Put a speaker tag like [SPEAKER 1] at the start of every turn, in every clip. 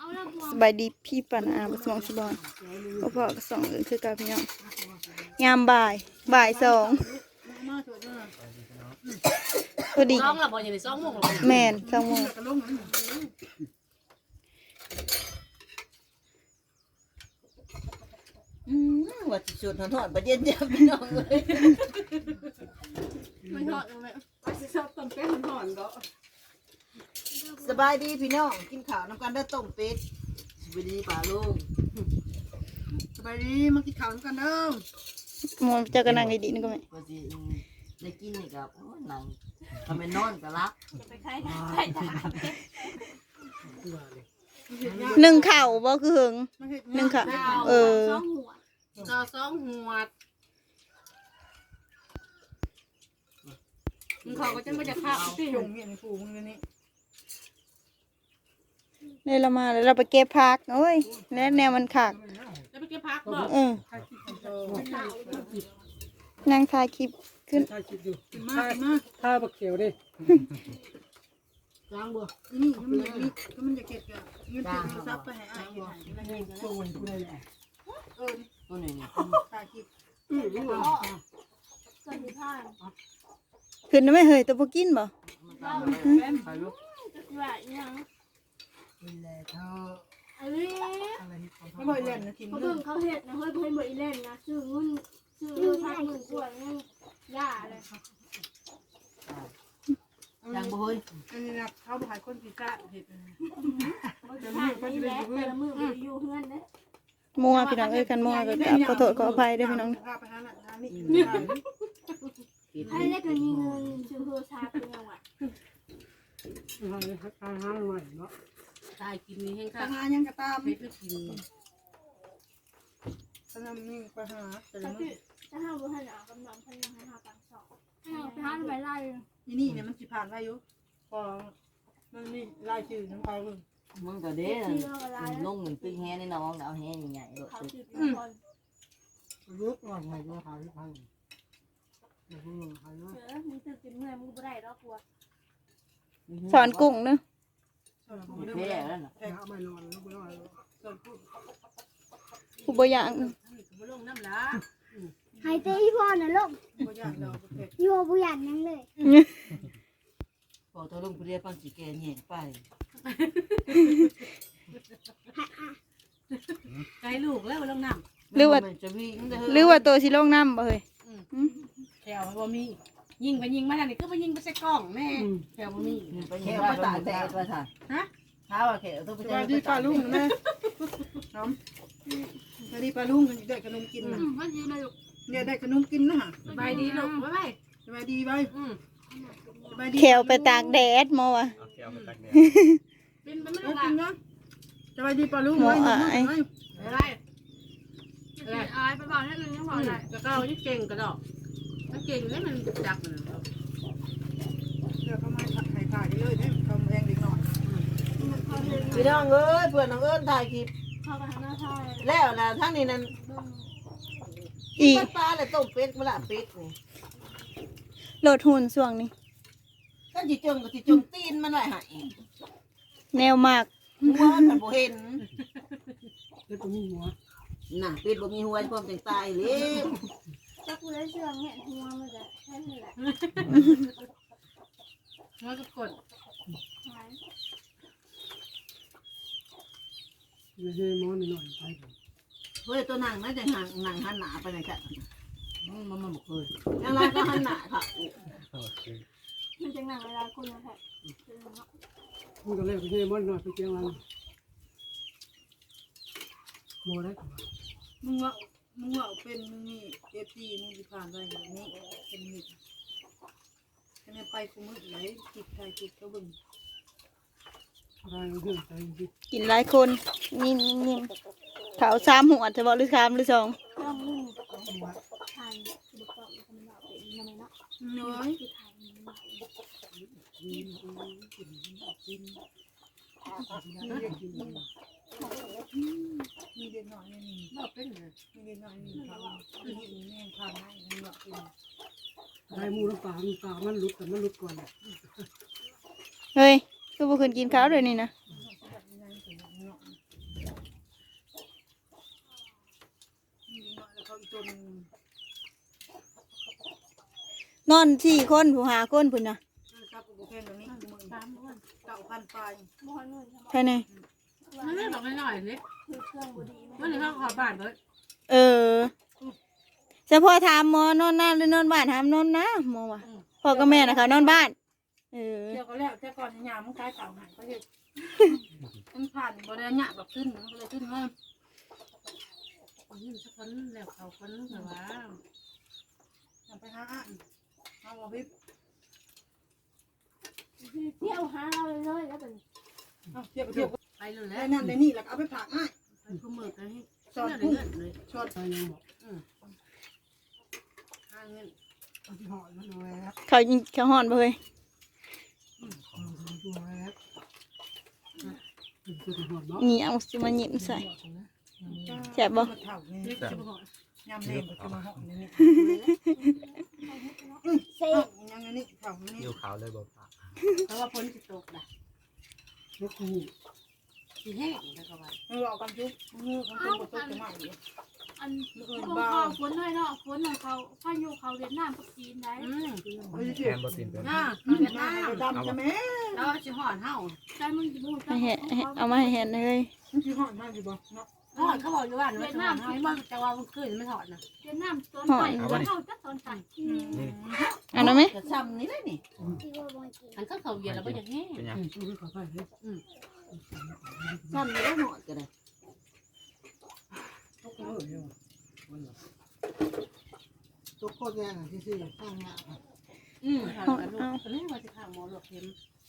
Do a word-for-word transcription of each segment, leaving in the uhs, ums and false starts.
[SPEAKER 1] สบายดีพี่ปานาบสมองสบอนพ่อพ่อก็สองเอิ้นคือกับพี่น้องยามบ่ายบ่ายสองพอดี
[SPEAKER 2] สองละบ่ยังได้สองโมงหรอก
[SPEAKER 1] แม่นสองโมง
[SPEAKER 3] อืมว่าสิสุดทอดๆบ่เย็นจ้ะพี่น้องเอ้ย
[SPEAKER 2] ไม่ทอดเลย
[SPEAKER 4] ว่าสิชอบต้มเป็ดหอนๆก็
[SPEAKER 3] สบายดีพี่น้องกินข้าวนำกันเด้อต้มเป็ดสบายดีป่าลุง
[SPEAKER 4] สบายดีมากินข้าวกันเด้อ
[SPEAKER 1] มองเจ้าก็นั่งดีๆนี่ก็ไม่
[SPEAKER 3] ว่าสิได้กินนี่ก็โอ้ยหนังทำเป็นนอนก็รัก
[SPEAKER 2] ไปใครใครจะหา
[SPEAKER 1] หนึ่งเข่าบ่คือหึงหนึ่งเข่าเออ
[SPEAKER 2] สองหัวก็สองหัวมึงเขาก็จะไม่จะข้าวสิ
[SPEAKER 4] ยงเมียนผูมึงนี่
[SPEAKER 1] เนี่ยเรามาแล้วเราไปเก็บผักโอ้ยแน่แนวมันขาด
[SPEAKER 2] แล้วไปเก็บผักบ่
[SPEAKER 1] เออนั่งถ่ายคลิปขึ้น
[SPEAKER 4] ถ่ายคลิปอยู่กินมากินมาถ้าบักเขียวดิ
[SPEAKER 2] ล้างบ่
[SPEAKER 4] นี่มันอย่างนี้ก็มันจะเก็บกันเงินติดซับไปให้อ้ายอยู่ไหนตัวมันผู้ใดแหละเออ
[SPEAKER 3] ตัวนี้นี่
[SPEAKER 4] ถ่ายคลิป
[SPEAKER 2] อืมบ่สวัสดีค่ะ
[SPEAKER 1] ขึ้นได้ไหมเฮ้ยตัวพวกกินบ่
[SPEAKER 3] ไปลูก
[SPEAKER 2] จะว่าอีหยัง
[SPEAKER 4] นี่แหละเธอ
[SPEAKER 2] อันนี้
[SPEAKER 4] อะไรไม่บ่อยเล่นนะกิน
[SPEAKER 2] เขา
[SPEAKER 4] เด้
[SPEAKER 2] เบิ่
[SPEAKER 4] อง
[SPEAKER 2] เขาเฮ็ดนะเฮ้ยเพิ่นบ่อีเล่นนะซื้อเงินซื้อเงินพักหมื่นกว่าเงินย่าอะไร
[SPEAKER 3] ยังบ่เฮ้ย
[SPEAKER 4] อันนี้นะเขาบ่ให้คนพิการเฮ็ด
[SPEAKER 2] เขาจะผ่านนี่แหละแต่ละมื้อบ่ได้อยู่เฮือนเด้
[SPEAKER 1] มัวพี่น้องเอ้ยกันมัวก็กราบขอโทษขออภัยด้วยพี่น้อง
[SPEAKER 4] พาไปหาหน้าหานี่
[SPEAKER 2] ให้ได้ก็มีเงินซื้อโทรศัพท์เป็นจังหวะ
[SPEAKER 4] หาหาหน่อยเนาะ
[SPEAKER 2] ตายกินนี่แห้ง
[SPEAKER 4] ทา
[SPEAKER 2] ค่ะ
[SPEAKER 4] งานยังกระตาม
[SPEAKER 2] เฮ็ดให้กิน
[SPEAKER 4] ทางนี้ไปหาแต่
[SPEAKER 2] ถ้า
[SPEAKER 4] ละ
[SPEAKER 2] พี่ถ้าห้าบ่ทันเอากำลังพันยังให้หาตังค์สองให้เอาไปหาไปไล่
[SPEAKER 4] นี่นี่เนี่ยมันสิผ่านได้อยู่พอมันนี่รายชื่อน้ำไปเพิ่ง
[SPEAKER 3] มึงก็เด้อลงเหมือนตึกแฮในน้องเอาแฮใหญ่ๆลูก
[SPEAKER 2] เขา
[SPEAKER 3] ตึก
[SPEAKER 2] สิบคน
[SPEAKER 4] ลุกว่าไงก็หายไปเดี๋ยวมึงหาย
[SPEAKER 2] เสือมึงตื่นกินเมื่อยมึงบ่ได้ดอกกลัว
[SPEAKER 1] สอนกุ้งเนอะ
[SPEAKER 3] แพ้แล้วน่ะ
[SPEAKER 4] แพ้ไม่นอนแล้วไม่นอนส่วนพูด
[SPEAKER 1] ผู้บ่อย่าง
[SPEAKER 2] นี่ก็บ่ลงน้ำละ
[SPEAKER 5] หายใจอีพ่อนะลูก
[SPEAKER 4] ก็ยากเราเผ็ด
[SPEAKER 5] อีพ่อผู้หยันยังเลย
[SPEAKER 3] พอตัวลุงผู้เรียกปังสิแกแหน่ไป
[SPEAKER 2] ไกลลูกแล้วบ่ลงน้
[SPEAKER 1] หรือว่า
[SPEAKER 3] จะวิ่งเด้อ
[SPEAKER 1] หรือว่าตัวสิลงน้ำบ่เฮ้ย
[SPEAKER 2] ำแถวบ่มียิงไปยิงมาทางนี้ก็ไปยิงไปใส่กล้องแม่แถวบ่มี
[SPEAKER 3] ไปแค่ไปตากแดดว่าซั่น
[SPEAKER 2] ฮะ
[SPEAKER 3] เช้าอะแค่ต้องไป
[SPEAKER 4] ส
[SPEAKER 3] เจอ
[SPEAKER 4] วัสดีป้าลุงนะน้องสวัสดีป้าลุงได้ขนมกิน
[SPEAKER 2] อื
[SPEAKER 4] นะ
[SPEAKER 2] มว่าอยู่เลยลูก
[SPEAKER 4] เนี่ยได้ขนมกินนะฮะ
[SPEAKER 2] สบายดีลูกบ๊ายบาย
[SPEAKER 4] สบายดีไป
[SPEAKER 2] อืม
[SPEAKER 4] สบายดี
[SPEAKER 1] แขวไปตากแดดมอวะ
[SPEAKER 6] เอาแก้วไปตักแดด
[SPEAKER 2] เป็นไปไม่
[SPEAKER 4] โอ้
[SPEAKER 2] ได้
[SPEAKER 4] กินนะสบายดีป้าลุง
[SPEAKER 2] บ๊ายบายอายไปบอกให้อื่นยังบอกได้แล้วก็เอาที่เก่งกระดอกถ้าเก่งแล้วมันจักมัน
[SPEAKER 4] เดี๋ยวเขามาถ่ายถ่ายเลยเนี่ยเขาแรงเด็กหน่อย
[SPEAKER 3] พี่น้องเอ้ยเพื่อนน้องเอิ้นถ่ายคลิป
[SPEAKER 2] เข้าไปทางหน้าท่า
[SPEAKER 3] แล้วนะทั้งนี้นั่น
[SPEAKER 1] อี
[SPEAKER 3] ปลาปลาเลยต้มเป็ดมะละเป็ดนี่
[SPEAKER 1] โหลดหุ่นส่วงนี้
[SPEAKER 3] ถ้าจิจงก็จิจงตีนมันไว้ให้
[SPEAKER 1] แนวมาก
[SPEAKER 3] หัวมันผันบ่เห็น
[SPEAKER 4] แล้วก็มีหัว
[SPEAKER 3] น่ะเป็ดบ่มีหัวพร้อมจังตายเลย
[SPEAKER 5] จะกูได้เชื่องเห็นหัวมันจะแค่นี้แหละ
[SPEAKER 2] มันก็กด
[SPEAKER 5] หาย
[SPEAKER 4] เยอะๆม้อนหน่อยไป
[SPEAKER 3] เฮ้ยตัวนั่งนั่นจะนั่งนั่งหันหน้าไปไหนกันมันมันมันบ่เคยยังไงก็หันหน้าค่ะ
[SPEAKER 6] โอเค
[SPEAKER 2] มันจะหนังเวลาคุณนะแท้
[SPEAKER 4] มึงก็เล่นเยอะม้อนหน่อยไปเจียงวันโมได้มึงว่ามึงว่าเป็นมึงนี่เอฟซีมึงจะผ่านได้แบบนี้เป็นมิดคะแนนไปกูมึงไหนจิตไทยจิตก็บึ้งอะไรเรื่องใจจิต
[SPEAKER 1] กินหลายคนนิ่มๆๆเขาสามหัวจะบอกหรือสามหรือสอง
[SPEAKER 5] เครื่องนึ่ง
[SPEAKER 4] หัว
[SPEAKER 5] ทานบุกเกาะมันบอกเป็นยังไงเนาะ
[SPEAKER 4] น้อย
[SPEAKER 5] คือทานมันบอก
[SPEAKER 4] มีเด็กน้อยนี่
[SPEAKER 2] บอกเป็นเลย
[SPEAKER 4] มีเด็กน้อยนี่เขามีแม่ผ่านได้มีหยอกกิน
[SPEAKER 7] ได้มูน้ำปลาน้ำปลามันลุกแต่มันลุกก่อน
[SPEAKER 1] เฮ้ยคือบ่คืนกินข้าวเลยนี่นะ
[SPEAKER 4] มเนาะนี่เนาะแล้วเขาอีกตัวนึง
[SPEAKER 1] นอนสี่คนผู้หาคนพุ่นน่ะ
[SPEAKER 4] ครับกูแพงตรงนี้หมื่น
[SPEAKER 2] สามคน
[SPEAKER 4] เก้าพันปลาย
[SPEAKER 5] บ่ฮอดนู่น
[SPEAKER 1] ภายใน
[SPEAKER 2] มันไม่บอกไม่หน่อยสิ
[SPEAKER 5] คือเครื่องบ่ดี
[SPEAKER 2] มันในห้องขอบานเบิด
[SPEAKER 1] เออเฉพาะถามหมอนอนหน้าหรือนอนบ้านถามนอนนะหมอว่ะพ่อกับแม่นะเขานอนบ้านเออ
[SPEAKER 4] เดี๋ยวก็แล้วแต่ก่อนยามมันกลายเต่าหายก็เลยมันผ่านบ่ได้หยาแบบขึ้นมันก็เลยขึ้นว่า
[SPEAKER 2] นี่สักคนแล้วเขาคนแต่ว่า
[SPEAKER 4] อย่าไปหาอ่านเอาบ่พี่
[SPEAKER 5] เที่ยวหาเราเลยแล้วเป็น
[SPEAKER 4] เอาเทียบเทียบ
[SPEAKER 2] ไปเลยแล้
[SPEAKER 4] ได้
[SPEAKER 2] ว
[SPEAKER 4] นั่นได้นี่แล้วเอาไปผักให้
[SPEAKER 2] ไปคุ้มมือกันให้
[SPEAKER 4] สอด
[SPEAKER 2] เงิ
[SPEAKER 4] กุ้ง
[SPEAKER 2] นเลย
[SPEAKER 4] สอด
[SPEAKER 7] ไปยังบอก
[SPEAKER 2] ห้าเงิน
[SPEAKER 7] เอาที่หอยมันเอาไว้แล้ว
[SPEAKER 1] เขาเขาหอนบ่เฮ้ย
[SPEAKER 7] เอาที่หอยแล้วเป็นตัวที่หอยเนาะ
[SPEAKER 1] นี่เอาสิมาหยิบใส่แซ่บบ่
[SPEAKER 4] เท่านี้
[SPEAKER 2] นี่จะบอก
[SPEAKER 4] ยำเล่นก็จะมาห่อนี่นี่
[SPEAKER 5] เซ่
[SPEAKER 4] ยังนี่เท่านี้
[SPEAKER 6] ยิวขาวเลยบอกปาก
[SPEAKER 2] เพราะว่าพ้นจะตกนะ
[SPEAKER 7] แล้วกู
[SPEAKER 2] สีแห้งแล้วก็ว่า
[SPEAKER 4] มันรอกันจุ๊บมือของตัวตัวจะมาอยู่
[SPEAKER 5] อันของเขาฝนเลยเนาะฝนของเขาพายุเขาเวียดนามกับจีนได้
[SPEAKER 2] อืม
[SPEAKER 6] แทนบอสินเป็น
[SPEAKER 2] น่า
[SPEAKER 4] เวี
[SPEAKER 2] เวี
[SPEAKER 4] ย
[SPEAKER 2] ย
[SPEAKER 4] ด
[SPEAKER 2] ด
[SPEAKER 4] นาน
[SPEAKER 2] าม ม
[SPEAKER 4] ดำจะแม่
[SPEAKER 2] แล้วจะห่อนเห่า
[SPEAKER 5] ใช่มึงสิบ่
[SPEAKER 1] ให้เห็นเอามาให้เห็นเลย
[SPEAKER 4] มันคือห่อมากอยู่บ่เนาะ
[SPEAKER 2] ห่อนเขาบอกอยู่ว่าเวียดนามเขาบอกจะว่ามันขึ้นไม่ถอดนะ
[SPEAKER 5] เวียดนามตอนไต่เข้าจักตอนไต่
[SPEAKER 1] เอันนั้นไหม
[SPEAKER 3] จะซ้ำนี่เลยนี่
[SPEAKER 5] ที่ว่าบ่กิน
[SPEAKER 2] อันเขาเขาเวียดแล้วก็จะแห้ง
[SPEAKER 6] เป็นยัง
[SPEAKER 7] อืมเอาไปขอไปเลย
[SPEAKER 3] ซ้ำนี่แล้วหน่อยก็ได้
[SPEAKER 7] เขาก็เออเนี่ยตัวโคตรแรงอ่ะที่สี่ข้างหน้า
[SPEAKER 2] อืมเขาลูกตอนนี้ว่าจะข้าวหมอหลวกเค็ม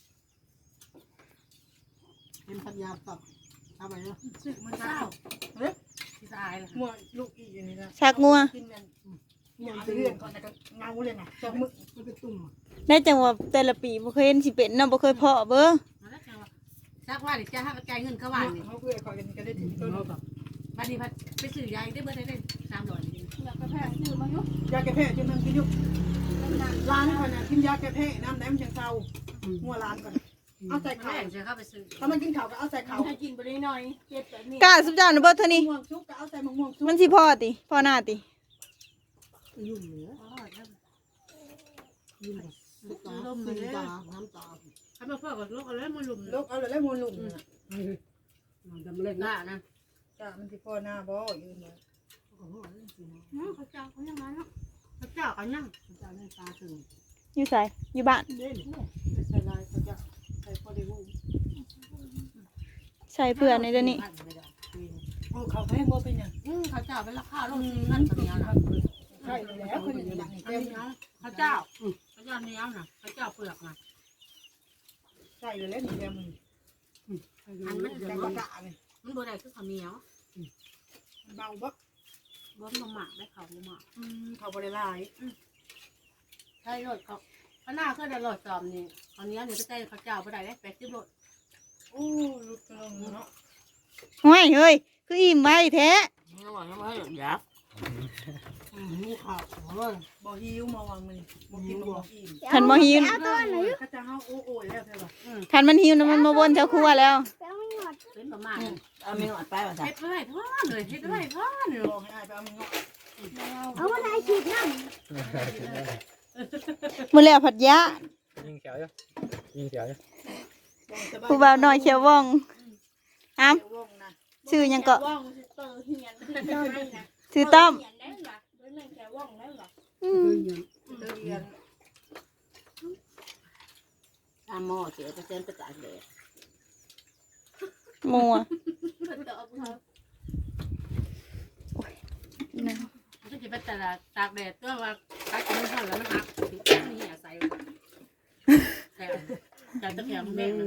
[SPEAKER 7] เป็นพันยาปรับทำไมเนาะ
[SPEAKER 4] สึกมัน
[SPEAKER 2] เศร้า
[SPEAKER 4] เฮ้ย
[SPEAKER 2] ที่สายเลย
[SPEAKER 4] มัวลูกอีอยู่นี่นะ
[SPEAKER 1] ชักงัว
[SPEAKER 4] กินนั่นยาเรื่องก่อนนะก็เงาเลยนะสองมือ
[SPEAKER 7] มันเป็นตุ่ม
[SPEAKER 1] ได้จังว่าแต่ละปีบ่เคยเห็นสิเป็นเนาะบ่เคยเพาะเบ้อ
[SPEAKER 2] มาแล้วจังว่าซักว่าเดี๋ยวจะให้จ่ายเงินเขาวันนี่
[SPEAKER 4] เขาเพื่อคอยกันก็ได้ถึงต้น
[SPEAKER 7] เราแบบ
[SPEAKER 2] บัดนี้พัดไปซื้อยาได้เบอร์ได้ได้สามร้อยนี่
[SPEAKER 5] แล้วก็แพงซื้อมาอยู่
[SPEAKER 4] ยาแก้แพ้จนมันกินยุกร้านคนน่ะกินยาแก้แพ้น้ำแดงจังเศร้างัวร้านก่อนเอาใส่
[SPEAKER 2] แม่
[SPEAKER 4] ข่าว
[SPEAKER 2] จะเข้าไปซื้อ
[SPEAKER 4] ถ้ามันกินข่าวก็เอาใส่ข่าว
[SPEAKER 5] ให้กินบ่ได้หน่อยเจ็บแบบนี้
[SPEAKER 1] กล้าสุดยอดนะเบ้อเท่านี้
[SPEAKER 4] ม่วงซุกก็เอาใส่มะม่วงซุก
[SPEAKER 1] มันสิพ่อติพ่อหน้าติ
[SPEAKER 7] ยุ่งเหนือ
[SPEAKER 2] อ๋อแล้ว
[SPEAKER 7] ยุ่งแบบตาสีตาน้ำตา
[SPEAKER 2] ทำมาเพื่อกับลูกเอาแล้วมาลุม
[SPEAKER 4] ลูกเอาเลยแล้วมูลลุง
[SPEAKER 7] เฮ้ยมันดำเล็ก
[SPEAKER 2] ห
[SPEAKER 7] นะ
[SPEAKER 2] น้านะ
[SPEAKER 4] จ้ามันที่พ่อหน้าบ่อยู่เนี่ย
[SPEAKER 5] น้องเขาเจ้าเขายังมาเนาะ
[SPEAKER 2] พระเจ้ากันยัง
[SPEAKER 7] ตาเล่นตาถึง
[SPEAKER 1] อยู่ไสอยู่บ้าน
[SPEAKER 7] เล่นไม่ใส่ลายเขาจะใส่พอดีวู
[SPEAKER 1] ใส่เพื่อนในเดี๋ยวนี้
[SPEAKER 4] โอ้เขาแพงบ่เป็นยัง
[SPEAKER 2] อืมพระเจ้าเป็นราคาโลสี่พันตัวเดียวนะ
[SPEAKER 4] ใช่แล้วคนนี้อย่างนี้
[SPEAKER 2] เต็
[SPEAKER 4] เต็
[SPEAKER 2] ม
[SPEAKER 4] ม
[SPEAKER 2] เนาะพระเจ้าพระเจ้าเนี้ยนะพระเจ้าเปลือกนะ
[SPEAKER 4] ใช่เลยแล้วนี่แกมึง
[SPEAKER 2] อันมัน
[SPEAKER 4] แต่ก็กะเลย
[SPEAKER 2] มันโบได้คือข้าวเหนียว
[SPEAKER 4] เบาบ่
[SPEAKER 2] รวมนมหมักได้ข้าวหมัก
[SPEAKER 4] เขาบริลาย
[SPEAKER 2] ใช่รถเขาพระหน้าเคยได้รถจอมนี่ข้าวเหนียวเนี่ยจะได้ข้าวเจ้าโบได้ได้แปดสิบรถ
[SPEAKER 4] โอ้ลุกลงเนาะ
[SPEAKER 1] ห้วยเฮ้ยคืออิ่มไว้แท้
[SPEAKER 3] ระหว่างนั้นให้ยับ
[SPEAKER 7] มูขาดเลย
[SPEAKER 4] บ่หิวมาวางมือบ่กินบ่อิ่ม
[SPEAKER 1] คันบ่หิว
[SPEAKER 5] เอาตัวไหน
[SPEAKER 4] เขาจะเฮาโอ้โอ้แล้วใช่ป่ะ
[SPEAKER 1] คันมันหิวนะมันมาวนแถวครัวแล้ว
[SPEAKER 5] ไปเอาไม่หมด
[SPEAKER 2] เป็นประมาณ
[SPEAKER 3] เอาไม่หอดไปว่าจ้ะ
[SPEAKER 2] เฮ็ดไว้ทอดเลยเฮ็ดไว้ทอดเลย
[SPEAKER 4] บอกให้อายไปเอามึงเนาะ
[SPEAKER 5] เอาอะไรฉีดน้ำ
[SPEAKER 1] มื้อแล้วผัดยะ
[SPEAKER 6] ยิงเขียวอยู่ยิงเขียวอยู่
[SPEAKER 1] ผู้บ่าวน้อยเขียวว่องอ้ำ
[SPEAKER 4] วงนะ
[SPEAKER 1] ชื่อหยังก็
[SPEAKER 5] ว่องสิเตอร์เฮียนเตอร์นี่นะ
[SPEAKER 1] ชื่อต้อม
[SPEAKER 5] เฮียนได้หรอด้วยแม่แกว่องได้หรอ
[SPEAKER 1] อืม
[SPEAKER 7] เดิน
[SPEAKER 4] เรียน
[SPEAKER 3] ตามหม้อเสียไปเส้นไปตากแดด
[SPEAKER 1] มัว
[SPEAKER 5] เพิ่นก็เอาไปเฮา
[SPEAKER 1] นะ
[SPEAKER 2] มันก็จะเป็นแต่ละตากแดดตัวว่าตากกินไม่ทอดแล้วมันหักนี่เหี้ยใส่แถวแต่ตะแคงแม่ง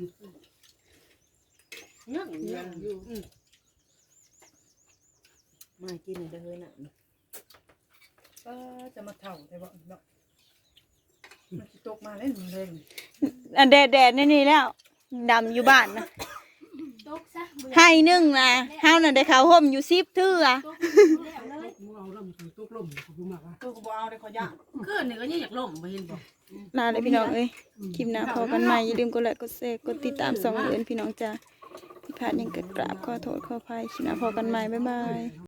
[SPEAKER 2] เงี้ยเงี้ยอยู่
[SPEAKER 3] มากินเด้อน่ะ
[SPEAKER 4] ก็จะมาเท่าแต่ว่าเนาะมันตกมาเล่นเล่น
[SPEAKER 1] อันแดดๆนี่แล้วดำอยู่บ้านนะ
[SPEAKER 5] ตกซะเบื่อ
[SPEAKER 1] ให้นึ่งนะเฮาน่ะได้ข้าวห่มอยู่สิบเทื่อ
[SPEAKER 5] ตกแล้วเลย
[SPEAKER 7] มูเอาล่มถึงตุกล่มเขาพูดมากอ่ะ
[SPEAKER 4] ตัวกูบ่เอาได้ขอย่าง
[SPEAKER 2] คืนนี่ก็ยังอยากล่มไปเห็นบ่
[SPEAKER 1] ลาเลยพี่น้องเอ้ยคลิปหน้าพอกันใหม่อย่าลืมกดไลค์กดแชร์กดติดตามสองเดือนพี่น้องจ้าไปขาดยังกระกราบขอโทษขออภัยคลิปหน้าพอกันใหม่บ๊ายบาย